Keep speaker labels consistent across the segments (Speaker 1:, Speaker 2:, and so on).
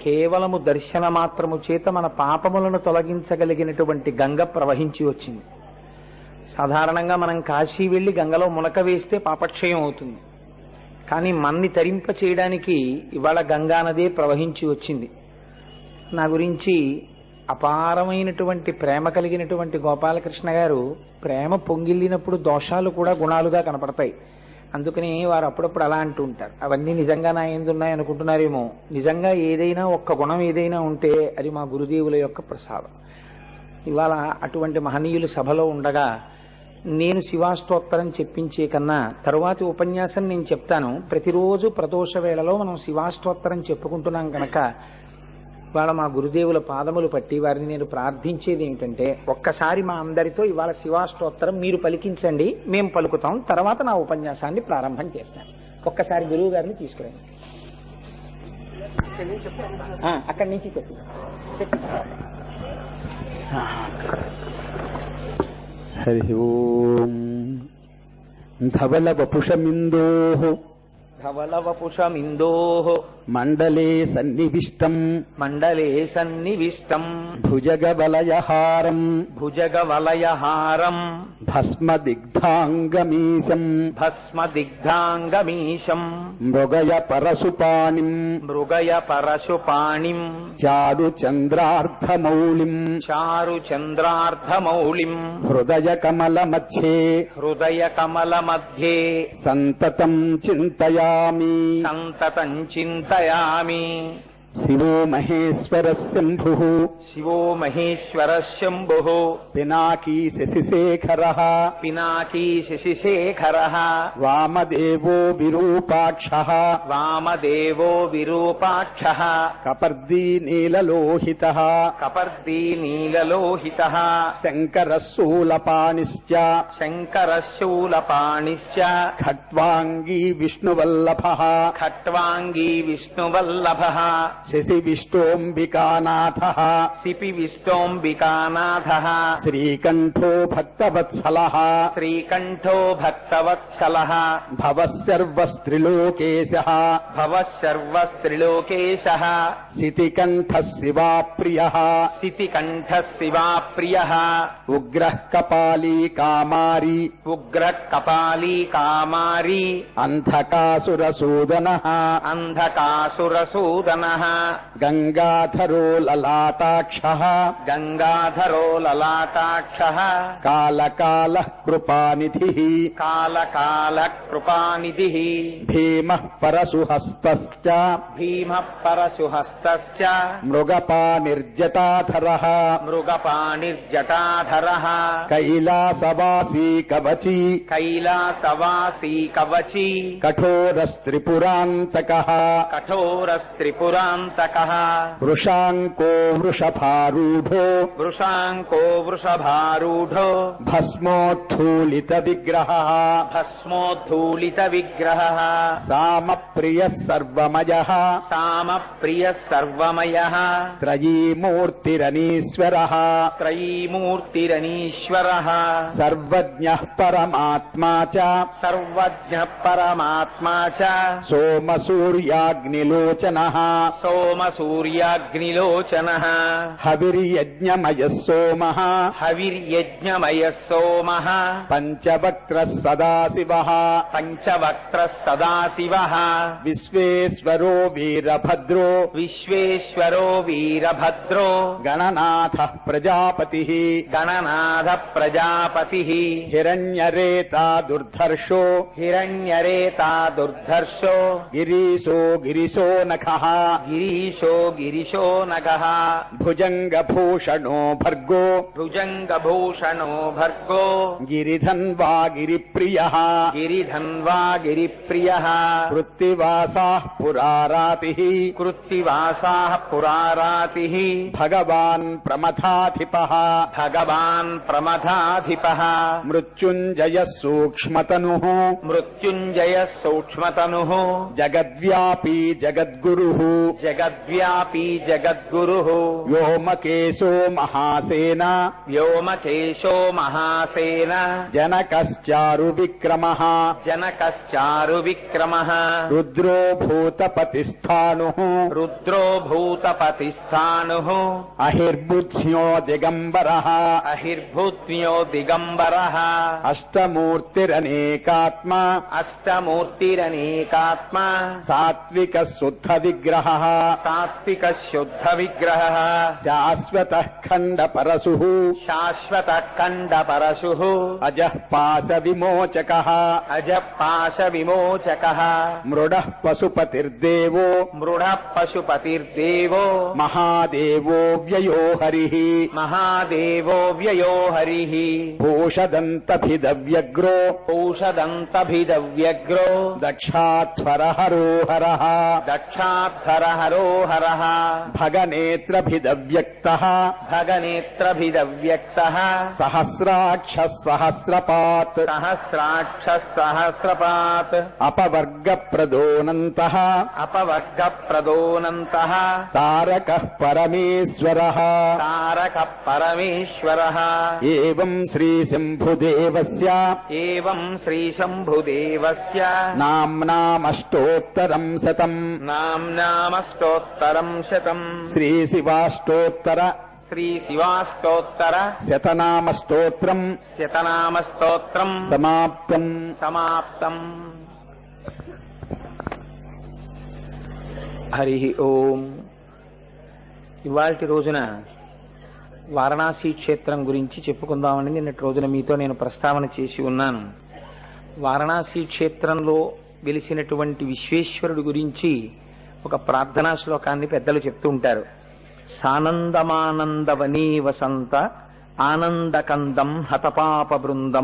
Speaker 1: కేవలము దర్శన మాత్రము చేత మన పాపములను తొలగించగలిగినటువంటి గంగ ప్రవహించి వచ్చింది. సాధారణంగా మనం కాశీ వెళ్లి గంగలో మునక వేస్తే పాపక్షయం అవుతుంది. కానీ మన్ని తరింప చేయడానికి ఇవాళ గంగా నదే ప్రవహించి వచ్చింది. నా గురించి అపారమైనటువంటి ప్రేమ కలిగినటువంటి గోపాలకృష్ణ గారు ప్రేమ పొంగిల్లినప్పుడు దోషాలు కూడా గుణాలుగా కనపడతాయి. అందుకని వారు అప్పుడప్పుడు అలా అంటూ ఉంటారు. అవన్నీ నిజంగా నా ఎందున్నాయి అనుకుంటున్నారేమో. నిజంగా ఏదైనా ఒక్క గుణం ఏదైనా ఉంటే అది మా గురుదేవుల యొక్క ప్రసాదం. ఇవాళ అటువంటి మహనీయులు సభలో ఉండగా నేను శివాష్టోత్తరం చెప్పించే కన్నా తరువాతి ఉపన్యాసం నేను చెప్తాను. ప్రతిరోజు ప్రదోష వేళలో మనం శివాష్టోత్తరం చెప్పుకుంటున్నాం కనుక ఇవాళ మా గురుదేవుల పాదములు పట్టి వారిని నేను ప్రార్థించేది ఏమిటంటే, ఒక్కసారి మా అందరితో ఇవాళ శివాష్టోత్తరం మీరు పలికించండి, మేము పలుకుతాం, తర్వాత నా ఉపన్యాసాన్ని ప్రారంభం చేస్తాను. ఒక్కసారి గురువు గారిని తీసుకురండి. అక్కడి నుంచి చెప్పు.
Speaker 2: హరి ఓం. ధవల వపుషమిందోః
Speaker 1: ధవలవపుషమిందోః
Speaker 2: మండలే సన్నివిష్టం భుజగవలయహారం భస్మదిగ్ధాంగమీశం మృగయ పరశుపాణిం చారుచంద్రార్ధమౌళిం హృదయ కమల మధ్యే సంతతం చింతయామి శివో మహేశ్వర శంభుః పినాకీ శశిశేఖరః వామదేవో విరూపాక్షః కపర్దీ నీలలోహితః శంకరః శూలపాణిశ్చ ఖట్వాంగీ విష్ణువల్లభః శశి విష్టోంబికానాథః శ్రీకంఠో భక్తవత్సలః భవః సర్వస్త్రిలోకేశః శితికంఠః శివాప్రియః ఉగ్రః కపాలీ కామారీ అంధకాసురసూదనః గంగాధరో లలాటాక్షః కాలకాలః కృపానిధిః భీమః పరశుహస్తశ్చ మృగపానిర్జటాధరః కైలాసవాసీ కవచీ కఠోరస్త్రిపురాంతకః వృషాంకో వృషభారూఢో భస్మోద్ధూలిత విగ్రహః సామప్రియః సర్వమయః త్రయీమూర్తిరనీశ్వరః సర్వజ్ఞః పరమాత్మా చ సోమసూర్యాగ్నిలోచనః హవిర్యజ్ఞమయః సోమః పంచవక్త్రః సదాశివః విశ్వేశ్వరో వీరభద్రో గణనాథః ప్రజాపతిః హిరణ్యరేతా దుర్ధర్షో గిరీశో నఖః భుజంగభూషణో భర్గో గిరిధన్వా గిరిప్రియః కృత్తివాసాః పురారాతిః భగవాన్ ప్రమథాధిపః మృత్యుంజయః సూక్ష్మతనుః జగద్వ్యాపీ జగద్గురుః
Speaker 1: జగద్వ్యాపీ జగద్గురుః
Speaker 2: వ్యోమకేశో మహాసేన
Speaker 1: వ్యోమకేశో మహాసేన
Speaker 2: జనకశ్చారు విక్రమః
Speaker 1: జనకశ్చారు విక్రమః
Speaker 2: రుద్రో భూతపతిస్థానుః
Speaker 1: రుద్రో భూతపతిస్థానుః
Speaker 2: అహిర్బుద్ధ్యో దిగంబరః
Speaker 1: అహిర్భూత్మ్యో దిగంబరః
Speaker 2: అష్టమూర్తిరనేకాత్మ
Speaker 1: అష్టమూర్తిరనేకాత్మ
Speaker 2: సాత్విక శుద్ధ విగ్రహః
Speaker 1: సాత్విక శుద్ధ విగ్రహః
Speaker 2: శాశ్వత ఖండ పరశుః
Speaker 1: శాశ్వత ఖండ పరశుః
Speaker 2: అజః పాశ విమోచకః
Speaker 1: అజపాశ విమోచకః
Speaker 2: మృడః పశుపతిర్దేవో
Speaker 1: మృఢ పశుపతిర్దేవో
Speaker 2: మహాదేవో వ్యయో హరిః
Speaker 1: మహాదేవో వ్యయో హరిః
Speaker 2: భూషదంతభిదవ్యగ్రో
Speaker 1: ఔషదంతభిదవ్యగ్రో
Speaker 2: దక్షాధ్వరహరో హరః
Speaker 1: దక్షాధర హరో హరః
Speaker 2: భగనేత్రభిదవ్యక్తః
Speaker 1: భగనేత్రభిదవ్యక్తః
Speaker 2: సహస్రాక్ష సహస్రపాత్
Speaker 1: సహస్రాక్ష సహస్రపాత్
Speaker 2: అపవర్గ ప్రదోనంతః
Speaker 1: అపవర్గ ప్రదోనంతః
Speaker 2: తారకః పరమేశ్వరః
Speaker 1: తారక పరమేశ్వరః
Speaker 2: ఏవం శ్రీ శంభుదేవస్య
Speaker 1: ఏవం శ్రీ శంభుదేవస్య
Speaker 2: నామ్నామష్టోత్తరం శతం
Speaker 1: నామ్నామష్టోత్తరం శతం
Speaker 2: శ్రీ శివాష్టోత్తర
Speaker 1: శ్రీ శివాష్టోత్తర
Speaker 2: శతనామస్తోత్రం
Speaker 1: శతనామస్తోత్రం
Speaker 2: సమాప్తం.
Speaker 1: సమాప్తం. హరి ఓం. ఇవాల్టి రోజున వారణాసి క్షేత్రం గురించి చెప్పుకుందామని నిన్నటి రోజున మీతో నేను ప్రస్తావన చేసి ఉన్నాను. వారణాసి క్షేత్రంలో వెలిసినటువంటి విశ్వేశ్వరుడు గురించి ఒక ప్రార్థనా శ్లోకాన్ని పెద్దలు చెప్తూ ఉంటారు. సానందమానందవనీ వసంత ఆనందకందం హతపాప బృందం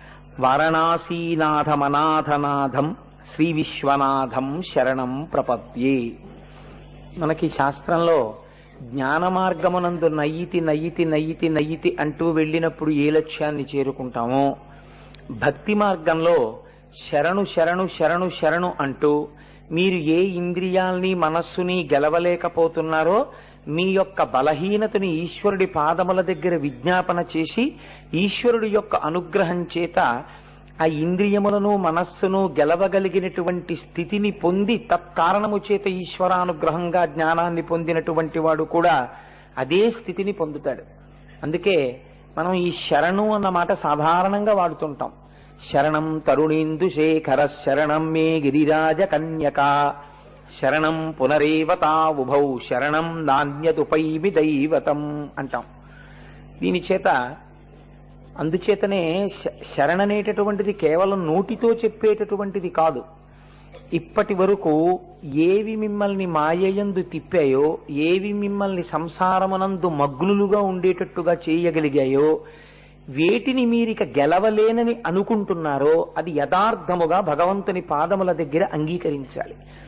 Speaker 1: వారణాసీనాథమనాథనాథం శ్రీ విశ్వనాథం శరణం ప్రపద్యే. మనకి శాస్త్రంలో జ్ఞాన మార్గమునందు నయ్యితి నయ్యితి నయ్యితి నయ్యితి అంటూ వెళ్ళినప్పుడు ఏ లక్ష్యాన్ని చేరుకుంటామో, భక్తి మార్గంలో శరణు శరణు శరణు శరణు అంటూ మీరు ఏ ఇంద్రియాల్ని మనస్సుని గెలవలేకపోతున్నారో మీ యొక్క బలహీనతని ఈశ్వరుడి పాదముల దగ్గర విజ్ఞాపన చేసి ఈశ్వరుడి యొక్క అనుగ్రహం చేత ఆ ఇంద్రియములను మనస్సును గెలవగలిగినటువంటి స్థితిని పొంది తత్కారణము చేత ఈశ్వరానుగ్రహంగా జ్ఞానాన్ని పొందినటువంటి వాడు కూడా అదే స్థితిని పొందుతాడు. అందుకే మనం ఈ శరణు అన్న మాట సాధారణంగా వాడుతుంటాం. శరణం తరుణేందు శేఖర శరణం మే గిరిరాజ కన్యక శరణం పునరేవతా ఉభౌ శరణం నాణ్యతుపైమి దైవతం అంటాం. దీని చేత అందుచేతనే శరణనేటటువంటిది కేవలం నోటితో చెప్పేటటువంటిది కాదు. ఇప్పటి వరకు ఏవి మిమ్మల్ని మాయయందు తిప్పాయో, ఏవి మిమ్మల్ని సంసారమునందు మగ్నులుగా ఉండేటట్టుగా చేయగలిగాయో, వేటిని మీరిక గెలవలేనని అనుకుంటున్నారో అది యథార్థముగా భగవంతుని పాదముల దగ్గర అంగీకరించాలి.